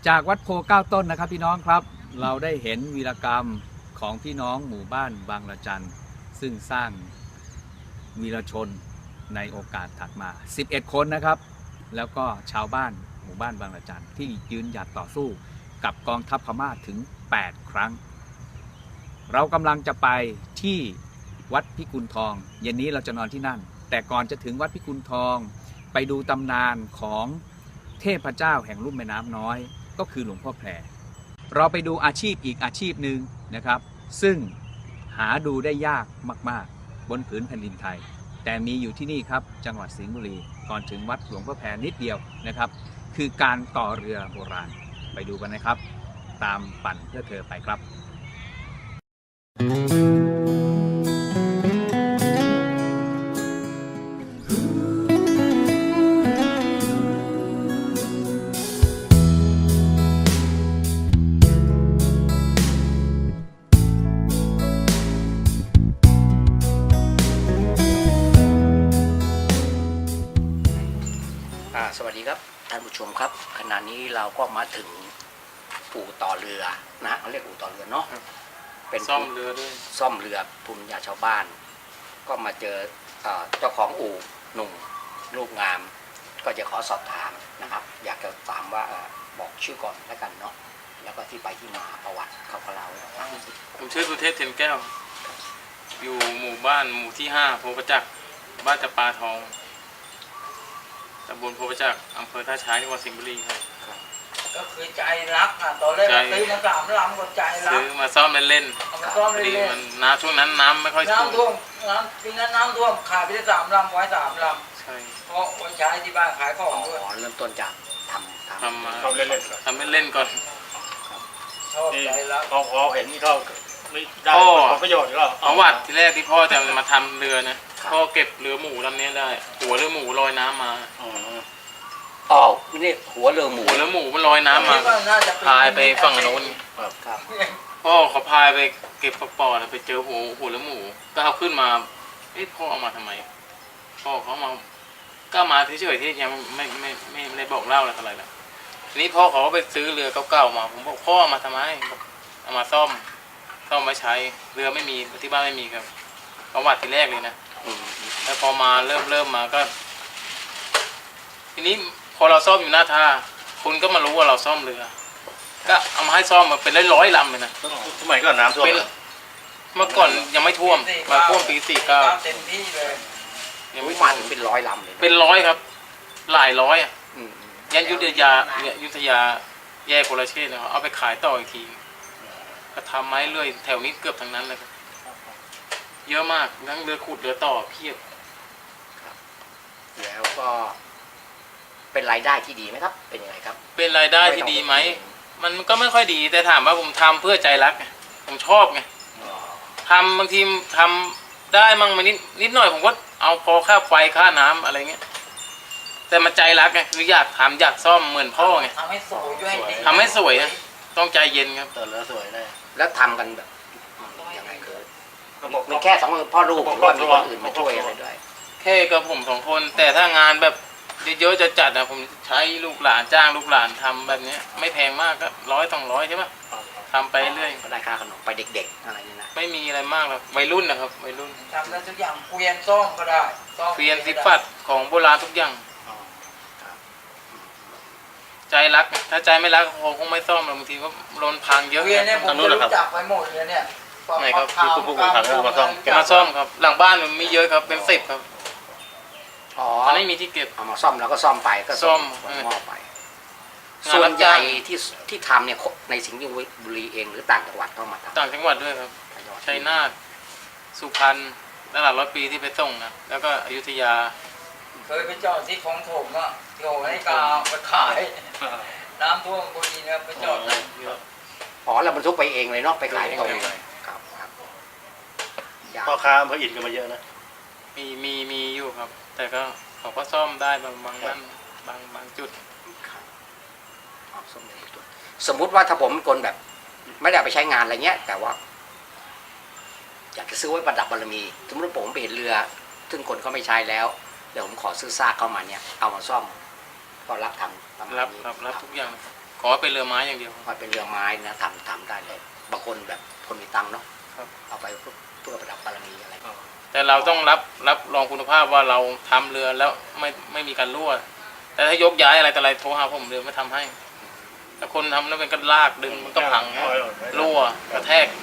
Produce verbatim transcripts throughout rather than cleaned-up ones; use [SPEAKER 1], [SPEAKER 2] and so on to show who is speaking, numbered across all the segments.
[SPEAKER 1] จากวัดโพเก้าต้นนะครับพี่น้องครับเราได้เห็นวีรกรรมของพี่น้องหมู่บ้านบางระจันซึ่งสร้างวีรชนในโอกาสถัดมาสิบเอ็ดคนนะครับแล้วก็ชาวบ้านหมู่บ้านบางระจันที่ยืนหยัดต่อสู้กับกองทัพพม่าถึงแปดครั้งเรากำลังจะไปที่วัดพิกุลทองเย็นนี้เราจะนอนที่นั่นแต่ก่อนจะถึงวัดพิกุลทองไปดูตำนานของเทพเจ้าแห่งลุ่มแม่น้ำน้อยก็คือหลวงพ่อแพรเราไปดูอาชีพอีกอาชีพหนึ่งนะครับซึ่งหาดูได้ยากมากๆบนผืนแผ่นดินไทยแต่มีอยู่ที่นี่ครับจังหวัดสิงห์บุรีก่อนถึงวัดหลวงพ่อแพรนิดเดียวนะครับคือการต่อเรือโบราณไปดูกันนะครับตามปั่นเพื่อเธอไปครับ
[SPEAKER 2] สวัสดีครับท่านผู้ชมครับขณะนี้เราก็มาถึงอู่ต่อเรือนะฮะเขาเรียกอู่ต่อเรือเนาะเป็น
[SPEAKER 3] ซ่อมเรือด้วย
[SPEAKER 2] ซ่อมเรือภูมิปัญญาชาวบ้านก็มาเจอเจ้าของอู่หนุ่มรูปงามก็จะขอสอบถามนะครับอยากจะถามว่าบอกชื่อก่อนแล้วกันเนาะแล้วก็ที่ไปที่มาประวัติเขาก็เล่า
[SPEAKER 3] ผมชื่อสุเทพเทียนแก้วอยู่หมู่บ้านหมู่ที่ห้าโพประจักษ์บ้านจะปาทองตำบลโพประจักษ์อำเภอท่าช้างจังหวัดสิงห์บุรีครับ
[SPEAKER 4] ก็คือใจรักอ่ะตอนแรกซื้อมาสามลำก็ใจรัก
[SPEAKER 3] ซื้อมาซ่อมเล่น
[SPEAKER 4] ๆมาซ่อมเล่น
[SPEAKER 3] ๆน้ำช่วงนั้นน้ำไม่ค่อย
[SPEAKER 4] น้ำท่วมน้ำปีนั้นน้ำท่วมขายไปได้สามลำไว้สามล
[SPEAKER 3] ำใช่
[SPEAKER 4] เพราะวันใช้ที่บ้านขายของด้วย
[SPEAKER 2] เริ่มต้นจากทำ
[SPEAKER 3] ทำมาทำเล่นๆทำเล่นๆก่อน
[SPEAKER 4] ชอบใจรัก
[SPEAKER 5] พอพอเห็นนี่เขาไม่ได้ผลประโยชน์หรอ
[SPEAKER 3] เอาวัดที่แรกที่พ่อจะมาทำเรือนะพ่อเก็บเรือหมูลำนี้ได้หัวเรือหมูลอยน้ำมา
[SPEAKER 2] อ๋อนี่หัวเรือหมู
[SPEAKER 3] หัวเรือหมูมันลอยน้ำมาพายไปฝั่งโน้นพ่อเขาพายไปเก็บปอดไปเจอหัวหัวเรือหมูก็เอาขึ้นมาเอ๊ะพ่อเอามาทำไมพ่อเขามาก็มาเฉยๆที่ยังไม่ไม่ไม่ไม่ได้บอกเล่าอะไรแล้วทีนี้พ่อเขาไปซื้อเรือเก่าๆมาผมบอกพ่อมาทำไมเอามาซ่อมซ่อมมาใช้เรือไม่มีที่บ้านไม่มีครับประวัติที่แรกเลยนะแล้วพอมาเริ่มเริ่มมาก็ทีนี้พอเราซ่อมอยู่หน้าท่าคุณก็มารู้ว่าเราซ่อมเรือก็เอามาให้ซ่อมมาเป็นร้อยๆลำเลยนะ
[SPEAKER 5] สมัยก่อนน้ำท่วม
[SPEAKER 3] เมื่อก่อนยังไม่ท่วมมาท่วมปีสี่เก้า
[SPEAKER 4] เต็มที่เลย
[SPEAKER 2] ยังไม่มาถึงเป็นร้อยลำเลย
[SPEAKER 3] เป็นร้อยครับหลายร้อยอ่ะยันยุทธยายุทธยาแยกโคราชเชษนะครับเอาไปขายต่ออีกทีก็ทำไม้เรื่อยแถวนี้เกือบทั้งนั้นเลยครับเยอะมากทั้งเรือขุดเรือต่อเพียบ
[SPEAKER 2] แล้วก็เป็นรายได้ที่ดีไหมครับเป็นยังไงครับ
[SPEAKER 3] เป็นรายได้ที่ดีไหมมันก็ไม่ค่อยดีแต่ถามว่าผมทำเพื่อใจรักไงผมชอบไงทำบางทีทำได้มั่งมานิดนิดหน่อยผมก็เอาพอค่าไฟค่าน้ำอะไรเงี้ยแต่มันใจรักไงคืออยากทำอยากซ่อมเหมือนพ่อไง
[SPEAKER 4] ทำให้สวยด้วย
[SPEAKER 3] ทำให้สวยนะต้องใจเย็นครับ
[SPEAKER 5] ต่อเรือสวยได้
[SPEAKER 2] แล้วทำกันแบบยังไงคือมีแค่สองพ่อลูกหรือว่ามีคนอื่นมาช่วยอะไรด้วย
[SPEAKER 3] แค่กับผมสองคนแต่ถ้างานแบบเยอะๆจะจัดนะผมใช้ลูกหลานจ้างลูกหลานทำแบบนี้ไม่แพงมากก็ร้อยสองร้อยใช่ไหมทำไปเรื่อย
[SPEAKER 2] ก็ได้ค่าขนมไปเด็กๆอะไรนี่นะ
[SPEAKER 3] ไม่มีอะไรมากหรอกวัยรุ่นนะครับวัยรุ่น
[SPEAKER 4] ทำได้ทุกอย่างเกวียนซ่อมก็ได้
[SPEAKER 3] เกวียนสิฟัดของโบราณทุกอย่างใจรักถ้าใจไม่รักคงไม่ซ่อมหรอกบางทีก็โดนพังเยอะ
[SPEAKER 4] เกวียนเนี่ยผมรู้จักไปหมดเลยเนี่ย
[SPEAKER 3] ไหนครับคือผู้ผู้ขังมาซ่อมมาซ่อมครับหลังบ้านมันมีเยอะครับเป็นสิบครับ
[SPEAKER 2] อ๋อ
[SPEAKER 3] ไม่มีที่เก็บ
[SPEAKER 2] เอามาซ่อมแล้วก็ซ่อมไปก็
[SPEAKER 3] ซ่อม
[SPEAKER 2] มอบไปส่วนใหญ่ที่ที่ทำเนี่ยในสิงห์บุรีเองหรือต่างจังหวัดเข้ามาทำ
[SPEAKER 3] ต่างจังหวัดด้วยครับชัยนาทสุพรรณตลาดร้อยปีที่ไปส่งนะแล้วก็อยุธยา
[SPEAKER 4] เคยไปจอดที่ของผมอ่ะโยให้กาไปขายน้ำท่วมบุรีเนี่ยไปจอด
[SPEAKER 2] อ๋อเราบรรทุกไปเองเลยเนาะไปขายได้เลยครับครับ
[SPEAKER 5] พ่อค้าอำเภออินก็มาเยอะนะ
[SPEAKER 3] มีมีมีอยู่ครับแต่ก็เขาก็ซ่อมได้บางบางนั่นบางบางจุด
[SPEAKER 2] สมมุติว่าถ้าผมเป็นคนแบบไม่ได้ไปใช้งานอะไรเงี้ยแต่ว่าอยากจะซื้อไว้ประดับบารมีสมมติผมไปเห็นเรือซึ่งคนเขาไม่ใช้แล้วเดี๋ยวผมขอซื้อซากเข้ามาเนี่ยเอามาซ่อมก็รับทำ
[SPEAKER 3] รับรับรับทุกอย่างขอเป็นเรือไม้อย่างเดียว
[SPEAKER 2] พอเป็นเรือไม้นะทำทำได้เลยบางคนแบบคนมีตังค์เนาะ
[SPEAKER 3] ครับ
[SPEAKER 2] เอาไปเพื่อเพื่อประดับบารมีอะไร
[SPEAKER 3] แต่เราต้องรับรับรองคุณภาพว่าเราทำเรือแล้วไม่ไม่มีการรั่ว แต่ถ้ายกย้ายอะไรแต่อะไรโทรหาผมเรือไม่ทำให้ถ้าคนทำแล้วเป็นก็ลากดึงมันก็พังรั่วกระแทก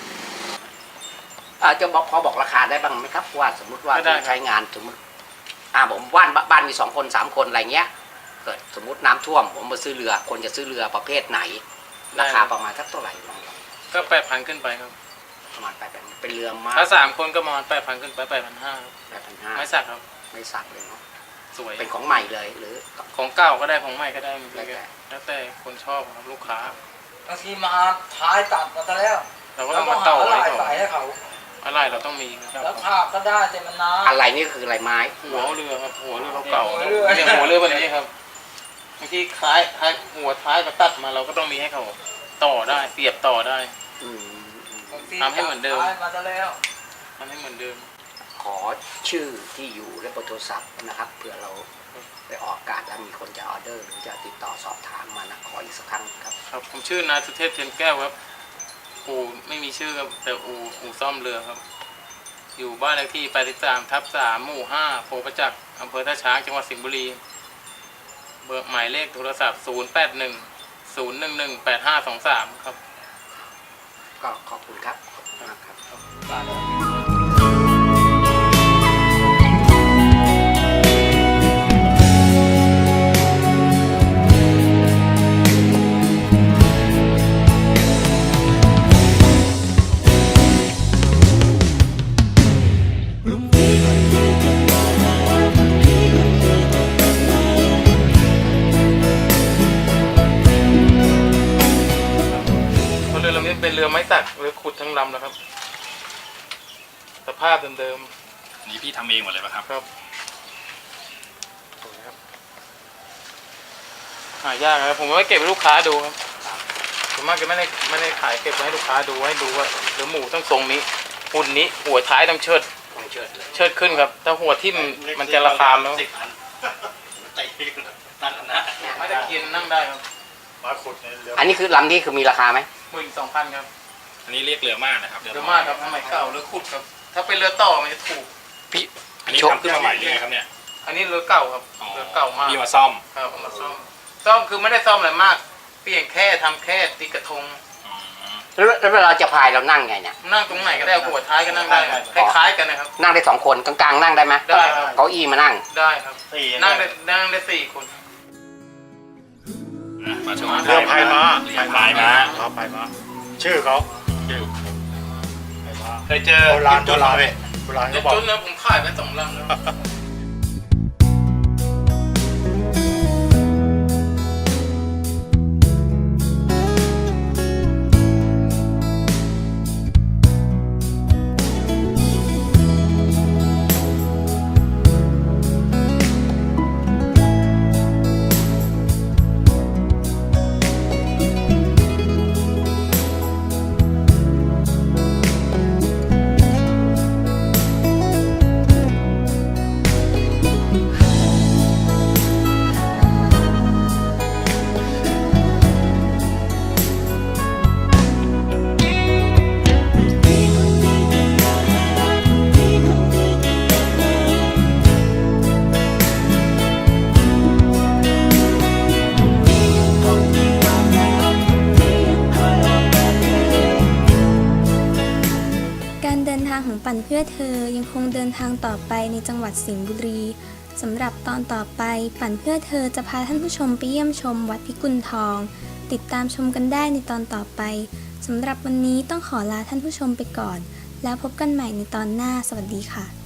[SPEAKER 2] อาจจะบอกพอบอกราคาได้บ้างไหมครับว่าสมมุติว่า
[SPEAKER 3] ไม่ได้ครับ
[SPEAKER 2] ใช้งานสมมติอ่าผมบ้านบ้านมีสองคนสามคนอะไรเงี้ยเกิดสมมติน้ำท่วมผมมาซื้อเรือคนจะซื้อเรือประเภทไหน ราคาประมาณสักเท่าไหร่ลองลอง
[SPEAKER 3] ก็แปดพันขึ้นไปครับ
[SPEAKER 2] ประมาณแปดพันเป็นเรือไม้
[SPEAKER 3] ถ้าสามคนก็ประมาณแปดพันขึ้นไปแปดพันห้า
[SPEAKER 2] แปดพันห้า
[SPEAKER 3] ไม่สักครับ
[SPEAKER 2] ไม่สักเลยเนาะ
[SPEAKER 3] สวย
[SPEAKER 2] เป็นของใหม่เลยหรือ
[SPEAKER 3] ของเก่าก็ได้ของใหม่ก็ได้มัน
[SPEAKER 2] แล้วแต่
[SPEAKER 3] แล้วแต่คนชอบครับลูกค้า
[SPEAKER 4] บางทีมาท้ายตัดมาซะแล้ว
[SPEAKER 3] เราก็
[SPEAKER 4] แล้
[SPEAKER 3] ต้
[SPEAKER 4] ว
[SPEAKER 3] อง
[SPEAKER 4] ก็
[SPEAKER 3] มา
[SPEAKER 4] หา
[SPEAKER 3] ต่อ
[SPEAKER 4] อะไร
[SPEAKER 3] ไว้ก่อ
[SPEAKER 4] ใส่
[SPEAKER 3] น
[SPEAKER 4] ให้เขา
[SPEAKER 3] อะไรเราต้องมีครับ
[SPEAKER 4] แล้วภาพก็ได้แต่มันนาน
[SPEAKER 2] อะไรนี่คืออะไรไม้
[SPEAKER 3] หัวเรือครับหัวเรือเก่า
[SPEAKER 4] หัว
[SPEAKER 3] ๆ
[SPEAKER 4] เรือ
[SPEAKER 3] เนี่ยหัวเรือแบบนี้ครับบางทีคล้ายคล้ายหัวท้ายมาตัดมาเราก็ต้องมีให้เขาต่อได้เสียบต่อได้
[SPEAKER 2] อืม
[SPEAKER 4] บางที
[SPEAKER 3] ทำให้เหมือนเดิม
[SPEAKER 4] ท้ายมาซะแล้ว
[SPEAKER 3] ทำให้เหมือนเดิม
[SPEAKER 2] ขอชื่อที่อยู่และเบอร์โทรศัพท์นะครับเผื่อเราไปออกอากาศแล้วมีคนจะออเดอร์หรือจะติดต่อสอบถามมานะขออีกสักครั้งครับ
[SPEAKER 3] ครับผมชื่อนายสุเทพเทียนแก้วครับอู่ไม่มีชื่อครับแต่อู่อู่ซ่อมเรือครับ อยู่บ้านเลขที่แปดสิบสามทับสามหมู่ห้าโพประจักษ์อำเภอท่าช้างจังหวัดสิงห์บุรีเบอร์หมายเลขโทรศัพท์ศูนย์แปดหนึ่งศูนย์หนึ่งหนึ่งแปดห้าสองสามครับ
[SPEAKER 2] ก็ขอบคุณครับขอบคุณมากครับ
[SPEAKER 3] เพราะเรือลำนี้เป็นเรือไม้สักเรือขุดทั้งลำนะครับ สภาพเดิม
[SPEAKER 5] นี่พี่ทำเองหมดเลยป่ะครับ
[SPEAKER 3] ๆครับสวยครับหายากนะครับผมไม่เก็บให้ลูกค้าดูครับผมมากจะไม่ได้ไม่ได้ขายเก็บไว้ให้ลูกค้าดูให้ดูว่าเรือหมูต้องทรงนี้หุ่นนี้หัวท้ายต้องเชิด
[SPEAKER 2] ต้องเชิดเลย
[SPEAKER 3] เชิดขึ้นครับถ้าหัวทิ่มมันจะราคาแล้ว
[SPEAKER 5] สิบพันตีตั้งนะ
[SPEAKER 3] ไม่ตะเคียนนั่งได้ครับ
[SPEAKER 5] มาขุดในเรือ
[SPEAKER 2] อันนี้คือลำนี้คือมีราคาไหม
[SPEAKER 3] หมื่นสองพันครับ
[SPEAKER 5] อันนี้เรียกเรือม่านนะครับ
[SPEAKER 3] เรือมากครับสมัยเก่าเรือขุดครับ ถ้าเป็นเรือต่อมันจะถูก
[SPEAKER 2] พี่
[SPEAKER 5] อันนี้ทำขึ้นมาใหม่เลยครับเนี่ย
[SPEAKER 3] อันนี้เรือเก่าครับเรือเก่ามาก
[SPEAKER 5] พี่มาซ่อม
[SPEAKER 3] ครับเอามาซ่อมซ่อมคือไม่ได้ซ่อมอะไรมาก เปลี่ยนแค่ทำแค่ติดกระทง
[SPEAKER 2] แล้วแล้วเวลาจะพายเรานั่งไงเนี่ย
[SPEAKER 3] นั่งตรงไหนก็ได้หัวท้ายก็นั่งได้คล้ายๆกันนะครับ
[SPEAKER 2] นั่งได้สองคนกลางๆนั่งได้ไหม
[SPEAKER 3] ได้ครับ
[SPEAKER 2] เก้าอี้มานั่ง
[SPEAKER 3] ได้ครับ
[SPEAKER 5] สี่
[SPEAKER 3] นั่งได้นั่งได้สี่คน
[SPEAKER 5] มาชมเรือพายม้าพายม้าเขาพายม้าชื่อเขาชื่อพายม้าเคยเจอโบราณโบราณโบราณ
[SPEAKER 3] จุ
[SPEAKER 5] เขาบอก
[SPEAKER 3] ดๆนะผมขายไปสองลำแล้ว
[SPEAKER 6] การเดินทางของปั่นเพื่อเธอยังคงเดินทางต่อไปในจังหวัดสิงห์บุรีสำหรับตอนต่อไปปั่นเพื่อเธอจะพาท่านผู้ชมไปเยี่ยมชมวัดพิกุลทอง ติดตามชมกันได้ในตอนต่อไปสำหรับวันนี้ต้องขอลาท่านผู้ชมไปก่อน แล้วพบกันใหม่ในตอนหน้าสวัสดีค่ะ